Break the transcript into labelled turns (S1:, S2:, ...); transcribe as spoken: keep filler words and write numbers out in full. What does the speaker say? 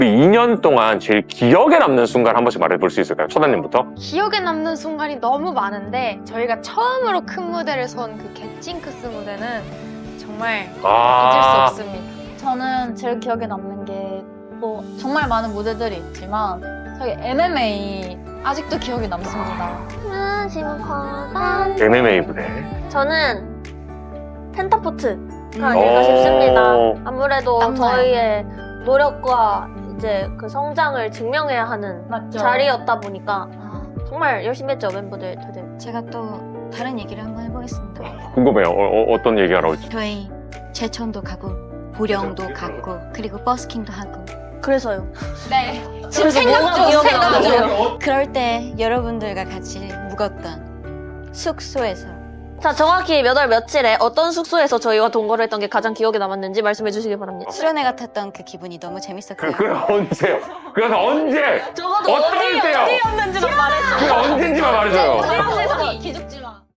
S1: 그 이 년 동안 제일 기억에 남는 순간 한 번씩 말해볼 수 있을까요? 초단님부터?
S2: 기억에 남는 순간이 너무 많은데 저희가 처음으로 큰 무대를 선 그 겟징크스 무대는 정말 잊을 수
S1: 아,
S2: 없습니다.
S3: 저는 제일 기억에 남는 게 뭐 정말 많은 무대들이 있지만 저희 엠엠에이 아직도 기억에 남습니다.
S1: 엠엠에이 무대.
S4: 저는 펜타포트가
S1: 어.
S4: 아닐까 싶습니다. 아무래도
S3: 땀나요.
S4: 저희의 노력과 이제 그 성장을 증명해야 하는
S3: 맞죠?
S4: 자리였다 보니까 정말 열심히 했죠, 멤버들 다들.
S5: 제가 또 다른 얘기를 한번 해보겠습니다.
S1: 궁금해요. 어, 어, 어떤 얘기하러 올지.
S5: 저희 제천도 가고 보령도 갔고 그리고 버스킹도 하고
S4: 그래서요.
S3: 네.
S5: 지금
S4: 그래서
S5: 생각
S4: 뭐가
S5: 중
S4: 기억에
S5: 생각
S4: 남아요?
S5: 중 그럴 때 여러분들과 같이 묵었던 숙소에서
S4: 자, 정확히 몇 월 며칠에 어떤 숙소에서 저희와 동거를 했던 게 가장 기억에 남았는지 말씀해 주시기 바랍니다.
S5: 수련회 같았던 그 기분이 너무
S1: 그,
S5: 재밌었고요.
S1: 그 언제요? 그래서 언제?
S4: 적어도
S1: 어떨
S4: 어디,
S1: 때요?
S4: 어디였는지만 말해줘.
S1: 그 언젠지만 말해줘.